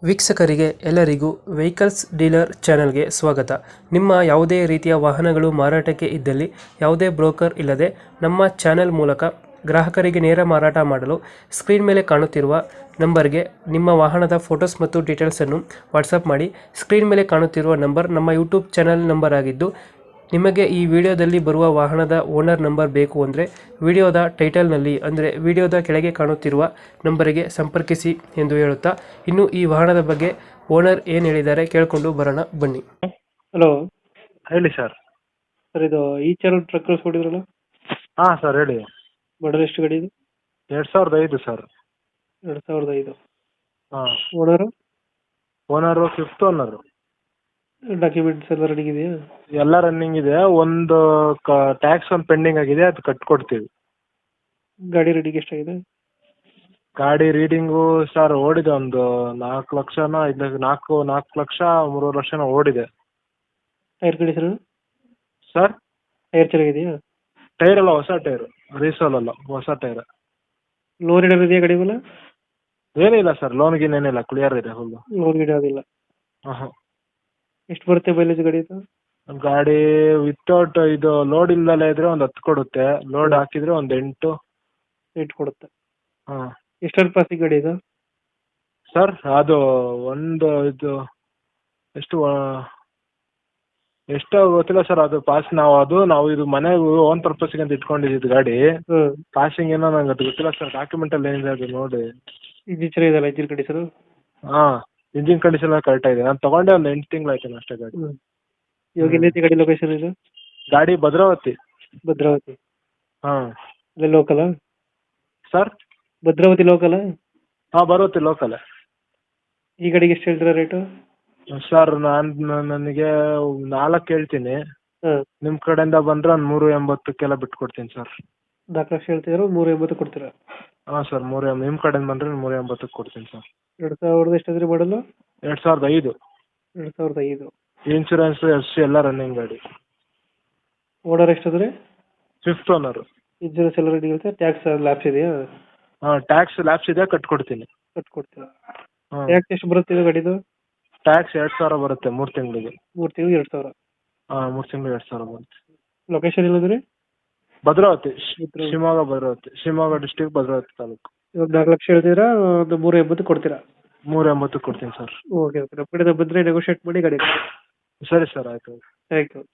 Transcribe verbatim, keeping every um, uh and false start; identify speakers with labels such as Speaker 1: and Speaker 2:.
Speaker 1: ವೀಕ್ಷಕರಿಗೆ ಎಲ್ಲರಿಗೂ vehicles dealer ಚಾನೆಲ್ಗೆ ಸ್ವಾಗತ. ನಿಮ್ಮ ಯಾವುದೇ ರೀತಿಯ ವಾಹನಗಳು ಮಾರಾಟಕ್ಕೆ ಇದ್ದಲ್ಲಿ ಯಾವುದೇ ಬ್ರೋಕರ್ ಇಲ್ಲದೆ ನಮ್ಮ ಚಾನೆಲ್ ಮೂಲಕ ಗ್ರಾಹಕರಿಗೆ ನೇರ ಮಾರಾಟ ಮಾಡಲು ಸ್ಕ್ರೀನ್ ಮೇಲೆ ಕಾಣುತ್ತಿರುವ ನಂಬರ್ಗೆ ನಿಮ್ಮ ವಾಹನದ ಫೋಟೋಸ್ ಮತ್ತು ಡೀಟೇಲ್ಸನ್ನು ವಾಟ್ಸಪ್ ಮಾಡಿ. ಸ್ಕ್ರೀನ್ ಮೇಲೆ ಕಾಣುತ್ತಿರುವ ನಂಬರ್ ನಮ್ಮ ಯೂಟ್ಯೂಬ್ ಚಾನೆಲ್ ನಂಬರ್ ಆಗಿದ್ದು, ನಿಮಗೆ ಈ ವಿಡಿಯೋದಲ್ಲಿ ಬರುವ ವಾಹನದ ಓನರ್ ನಂಬರ್ ಬೇಕು ಅಂದರೆ ವಿಡಿಯೋದ ಟೈಟಲ್ನಲ್ಲಿ ಅಂದರೆ ವಿಡಿಯೋದ ಕೆಳಗೆ ಕಾಣುತ್ತಿರುವ ನಂಬರಿಗೆ ಸಂಪರ್ಕಿಸಿ ಎಂದು ಹೇಳುತ್ತಾ, ಇನ್ನು ಈ ವಾಹನದ ಬಗ್ಗೆ ಓನರ್ ಏನು ಹೇಳಿದ್ದಾರೆ ಕೇಳಿಕೊಂಡು ಬರೋಣ ಬನ್ನಿ. ಹಲೋ
Speaker 2: ಹೇಳಿ ಸರ್.
Speaker 1: ಸರ್, ಇದು ಈ ಚಾನಲ್ ಟ್ರಕ್ ಕಳಿಸ್ಕೊಟ್ಟಿದ್ರಲ್ಲ,
Speaker 2: ಹಾಂ ಸರ್ ಹೇಳಿ.
Speaker 1: ಮಾಡಲ್ ಎಷ್ಟು ಗಾಡಿ ಇದು?
Speaker 2: ಎರಡು ಸಾವಿರದ ಐದು ಸರ್.
Speaker 1: ಎರಡು ಸಾವಿರದ ಐದು.
Speaker 2: ಹಾಂ.
Speaker 1: Owner
Speaker 2: owner fifth owner.
Speaker 1: Documents ಎಲ್ಲ ರೆಡಿ ಇದೆಯಾ?
Speaker 2: ಎಲ್ಲ ರನ್ನಿಂಗ್ ಇದೆ. ಒಂದು ಕ ಟ್ಯಾಕ್ಸ್ ಒಂದು ಪೆಂಡಿಂಗ್ ಆಗಿದೆ, ಅದು ಕಟ್ಕೊಡ್ತೀವಿ.
Speaker 1: ಗಾಡಿ ರೆಡಿಗೆ ಎಷ್ಟಾಗಿದೆ?
Speaker 2: ಗಾಡಿ ರೀಡಿಂಗು ಸರ್ ಓಡಿದೆ ಒಂದು ನಾಲ್ಕು ಲಕ್ಷನ ಐದು ನಾಲ್ಕು ನಾಲ್ಕು ಲಕ್ಷ ಮೂರುವರೆ ಲಕ್ಷನ ಓಡಿದೆ.
Speaker 1: ಟೈರ್ ಕಂಡೀಷನ್
Speaker 2: ಸರ್,
Speaker 1: ಟೈರ್ ಚೆನ್ನಾಗಿದೆಯಾ?
Speaker 2: ಟೈರ್ ಎಲ್ಲ ಹೊಸ ಟೈರು, ರೀಸೋಲ್ ಅಲ್ಲ, ಹೊಸ ಟೈರ್.
Speaker 1: ಲೋನ್ ಇಡೋದು ಇದೆಯಾ ಗಾಡಿ ಮೇಲೆ?
Speaker 2: ಏನಿಲ್ಲ ಸರ್, ಲೋನ್ ಗೀನ್ ಏನಿಲ್ಲ, ಕ್ಲಿಯರ್ ಇದೆ ಫುಲ್ಲು.
Speaker 1: ಲೋನ್ ಗಿಡ ಅದಿಲ್ಲ.
Speaker 2: ಹಾಂ ಹಾಂ.
Speaker 1: ಎಷ್ಟು ಬರುತ್ತೆ ಮೈಲೇಜ್ ಗಾಡಿ ಇದು?
Speaker 2: ಗಾಡಿ ವಿತೌಟ್ ಇದು ಲೋಡ್ ಇಲ್ಲದಲ್ಲೇ ಇದ್ರೆ ಒಂದು ಹತ್ತು ಕೊಡುತ್ತೆ, ಲೋಡ್ ಹಾಕಿದ್ರೆ ಒಂದು ಎಂಟು.
Speaker 1: ಎಂಟು ಕೊಡುತ್ತೆ.
Speaker 2: ಹಾಂ.
Speaker 1: ಎಷ್ಟರ ಪಾಸಿಂಗ್ ಗಾಡಿ ಇದು?
Speaker 2: ಸರ್, ಅದು ಒಂದು ಇದು ಎಷ್ಟು ಎಷ್ಟು ಗೊತ್ತಿಲ್ಲ ಸರ್. ಅದು ಪಾಸ್ ನಾವು ಅದು ನಾವು ಇದು ಮನೆಗೆ ಓನ್ ಪರ್ಪಸ್ಗೆ ಅಂತ ಇಟ್ಕೊಂಡಿದ್ದು ಗಾಡಿ.
Speaker 1: ಹ್ಞೂ.
Speaker 2: ಪಾಸಿಂಗ್ ಏನೋ ನಂಗೆ ಅದು ಗೊತ್ತಿಲ್ಲ ಸರ್. ಡಾಕ್ಯುಮೆಂಟಲ್ಲಿ ಏನಿದೆ ಅದು ನೋಡಿ.
Speaker 1: ಇಂಜಿನ್ ಚೆನ್ನಾಗಿದೆಯಲ್ಲ, ಇಂಜಿನ್ ಕಂಡೀಷನು?
Speaker 2: ಹಾಂ, ಇಂಜಿನ್ ಕಂಡೀಷನ್ ಎಲ್ಲ ಕರೆಕ್ಟಾಗಿದೆ. ನಾನು ತೊಗೊಂಡೆ ಒಂದು ಎಂಟು ತಿಂಗಳು ಆಯ್ತು ಅಷ್ಟೇ ಗಾಡಿ.
Speaker 1: ಹ್ಞೂ. ಇವಾಗ ಎಲ್ಲೈತಿ ಗಾಡಿ ಲೊಕೇಶನ್ ಇದು?
Speaker 2: ಗಾಡಿ ಭದ್ರಾವತಿ.
Speaker 1: ಭದ್ರಾವತಿ.
Speaker 2: ಹಾಂ.
Speaker 1: ಅಲ್ಲೇ ಲೋಕಲಾ?
Speaker 2: ಸರ್,
Speaker 1: ಭದ್ರಾವತಿ ಲೋಕಲಾ?
Speaker 2: ಹಾಂ, ಭದ್ರಾವತಿ ಲೋಕಲ್.
Speaker 1: ಈ ಗಾಡಿಗೆ ಎಷ್ಟು ಹೇಳ್ತೀರಾ ರೇಟು?
Speaker 2: ಸರ್, ನಾನು ನನಗೆ ನಾಲ್ಕು ಹೇಳ್ತೀನಿ.
Speaker 1: ಹಾಂ.
Speaker 2: ನಿಮ್ಮ ಕಡೆಯಿಂದ ಬಂದರೆ ಒಂದು ಮೂರು ಎಂಬತ್ತಕ್ಕೆಲ್ಲ ಬಿಟ್ಕೊಡ್ತೀನಿ ಸರ್.
Speaker 1: ನಾಲ್ಕು ಲಕ್ಷ ಹೇಳ್ತಿದ್ರು, ಮೂರು ಎಂಬತ್ತು ಕೊಡ್ತೀರಾ?
Speaker 2: ಹಾಂ ಸರ್, ಮೂರು ಎಂ ನಿಮ್ಮ ಕಡೆಯಿಂದ ಬಂದರೆ ಮೂರು ಎಂಬತ್ತಕ್ಕೆ ಕೊಡ್ತೀನಿ ಸರ್.
Speaker 1: ಎರಡು ಸಾವಿರದ ಎಷ್ಟಾದ್ರಿ ಮಾಡಲು?
Speaker 2: ಎರಡು ಸಾವಿರದ ಐದು.
Speaker 1: ಎರಡು ಸಾವಿರದ ಐದು.
Speaker 2: ಇನ್ಶೂರೆನ್ಸು ಎಫ್ ಸಿ ಎಲ್ಲ ರನ್ನಿಂಗ್ ಗಾಡಿ.
Speaker 1: ಓನರ್ ಎಷ್ಟಾದ್ರೆ?
Speaker 2: Fifth owner.
Speaker 1: ಇನ್ಶೂರೆನ್ಸ್ ಎಲ್ಲ ರೆಡಿ ಇರುತ್ತೆ? ಟ್ಯಾಕ್ಸ್ ಲ್ಯಾಪ್ಸ್ ಇದೆಯಾ?
Speaker 2: ಹಾಂ, ಟ್ಯಾಕ್ಸ್ ಲ್ಯಾಪ್ಸ್ ಇದೆ, ಕಟ್ಕೊಡ್ತೀನಿ.
Speaker 1: ಕಟ್ಕೊಡ್ತೀರಾ?
Speaker 2: ಹಾಂ.
Speaker 1: ಟ್ಯಾಕ್ಸ್ ಎಷ್ಟು ಬರುತ್ತೆ ಇದು ಗಾಡಿದು?
Speaker 2: ಟ್ಯಾಕ್ಸ್ ಎರಡು ಸಾವಿರ ಬರುತ್ತೆ ಮೂರು ತಿಂಗಳಿಗೆ.
Speaker 1: ಮೂರು ತಿಂಗಳು ಎರಡು ಸಾವಿರ?
Speaker 2: ಹಾಂ, ಮೂರು ತಿಂಗಳು ಎರಡು ಸಾವಿರ ಬರುತ್ತೆ.
Speaker 1: ಲೊಕೇಶನ್ ಇಲ್ಲಂದ್ರೆ?
Speaker 2: ಭದ್ರಾವತಿ,
Speaker 1: ಭದ್ರಾವತಿ.
Speaker 2: ಶಿವಮೊಗ್ಗ ಭದ್ರಾವತಿ, ಶಿವಮೊಗ್ಗ ಡಿಸ್ಟಿಕ್ ಭದ್ರಾವತಿ ತಾಲೂಕು.
Speaker 1: ಇವಾಗ ನಾಲ್ಕು ಲಕ್ಷ ಹೇಳ್ತೀರಾ, ಒಂದು ಮೂರು ಎಂಬತ್ತು ಕೊಡ್ತೀರಾ?
Speaker 2: ಮೂರು ಎಂಬತ್ತು ಕೊಡ್ತೀನಿ ಸರ್.
Speaker 1: Okay okay. ನಮ್ಮ ಕಡೆಯಿಂದ ಬಂದರೆ ನೆಗೋಷಿಯೇಟ್ ಮಾಡಿ ಗಾಡಿ.
Speaker 2: ಸರಿ ಸರ್, ಆಯಿತು.
Speaker 1: Thank you.